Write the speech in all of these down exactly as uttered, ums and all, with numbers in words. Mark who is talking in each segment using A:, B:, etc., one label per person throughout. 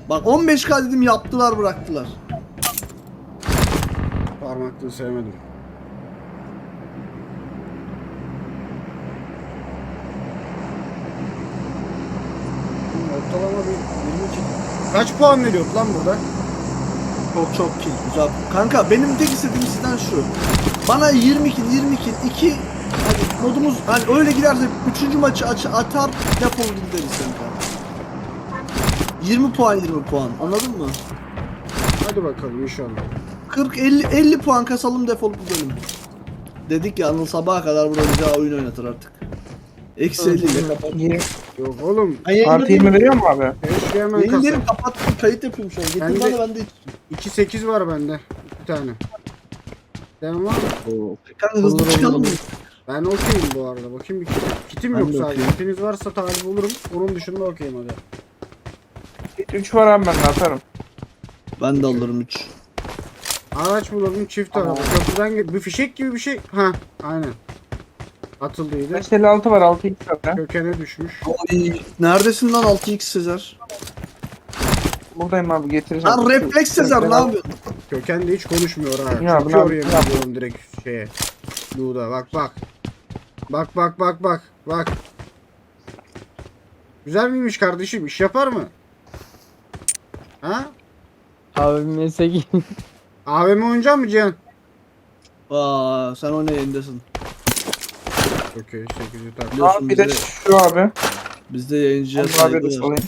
A: Bak on beş K dedim yaptılar bıraktılar.
B: Parmaklığı sevmedim. Ortalama bir yirmi kill. Kaç puan veriyor lan burada?
A: Çok çok kill güzel. Kanka benim tek istediğim sizden şu. Bana yirmi kill yirmi kill iki hani modumuz hani öyle giderse üçüncü maçı aç atar defol gideriz kanka. yirmi puan yirmi puan anladın mı?
B: Hadi bakalım inşallah.
A: kırk elli elli puan kasalım defolup gidelim. Dedik ya Anıl sabaha kadar burada bize oyun oynatır artık. Eksi elli ile kapat.
C: yirmi
B: Yok oğlum.
C: Artı yirmi veriyor mu abi?
B: Keşke hemen
A: Benim
B: kasa.
A: derim kapattım kayıt yapıyorum şu an. Getir
B: Ben de-
A: bana ben de
B: iki sekiz var bende. Bir tane. Devam var mı?
A: kanka hızlı
C: Olur,
A: çıkalım mı?
C: olur.
B: Ben okeyim bu arada. Bakayım bir kit, kitim
A: Ben
B: yok
A: de
B: sadece.
A: okeyim.
B: Kitiniz varsa talip olurum. Onun dışında okeyim hadi.
C: üç var abi, ben de atarım.
A: Ben de alırım üç.
B: Araç bulalım çift araba. Köprüden ge- bir fişek gibi bir şey. Ha, aynen. Atıldıydı.
C: beş elli altı var, altı x var ya.
B: Kökene düşmüş.
A: Oy, neredesin lan altı x Sezer?
C: Buradayım abi, getireceğim.
A: Lan refleks Sezer ne yapıyorsun?
B: Köken de hiç konuşmuyor ha.
C: Ya,
B: Çok
C: ben-
B: oraya
C: ben-
B: gidiyorum direkt şeye. Luğda bak bak. Bak bak bak bak. Bak. Güzel miymiş kardeşim? İş yapar mı? Ha?
D: Abi meslek
B: A V M oynayacak mı Cihan?
A: Aa sen o ne yayındasın?
B: Okey sekizi tak.
A: Biliyorsun
C: Abi bir de
A: bizde,
C: şu abi.
A: bizde yayıncıya
C: Onu abi
A: saygı
C: de
A: var.
C: salayım.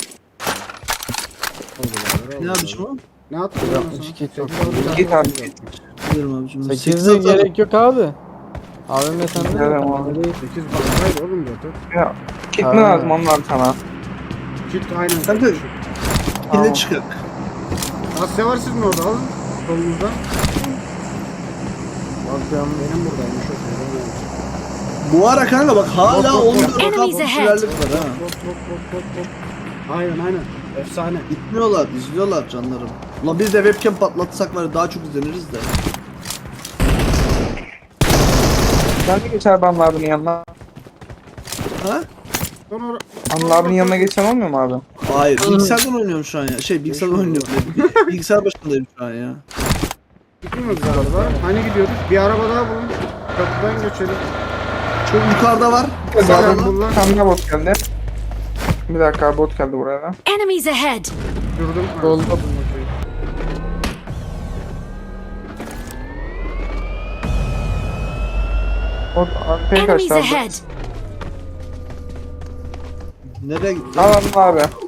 A: Ne abicim o?
B: Ne yaptın
D: Yok,
B: lan sana?
D: hiç git yok.
B: Sekiz aldı,
C: Git
B: sen
C: abi,
B: dokuz
C: git.
B: yaptın.
A: Bilirim abicim.
D: sekizde gerek yok abi. Abi sende
C: Güzel
D: yok.
C: ama.
D: Bende değil.
B: sekiz fazlaydı oğlum zaten.
C: Ya, kit mi
D: Ha.
C: lazım onlar sana?
B: Kit aynen.
A: Sen de-
B: kardeşim.
C: Tamam.
A: Yine çıkık.
B: Asya var sizin orada alın. Solunuzda.
D: Bakıyorum.
B: Benim buradaymış o şey.
A: Bu ara kanka bak hala
B: Bak, bak,
A: on
B: bak.
A: dört
E: Enemies
A: K
E: ahead.
A: popülerlik var ha.
B: Hop hop hop hop hop. Aynen aynen. Efsane.
A: Gitmiyorlar, izliyorlar canlarım. Ulan biz de webcam patlatsak var ya daha çok izleniriz de.
C: Ben de geçer abi Anıl abinin yanına.
A: Ha?
B: Sonra
C: Anıl abinin yanına geçen olmuyor mu abi?
A: Hayır, bilgisayardan oynuyorum şu an ya. Şey, bilgisayardan oynuyorum dedim. Bilgisayar başındayım şu an ya.
B: gitmiyoruz galiba. Hani gidiyoruz? Bir araba daha bulun. Köprüden geçelim.
A: Çok yukarıda var.
B: Zaten
A: Sağda.
B: bul lan.
C: Bir tane daha bot geldi. Bir dakika abi, bot geldi buraya da.
E: Enemies ahead!
B: Durdum. Ha,
D: Oldu.
B: buldum, okey.
C: Bot arkaya
E: Enemies
C: kaçtı abi.
E: ahead!
A: Nereye gitti?
C: Al Anıl abi.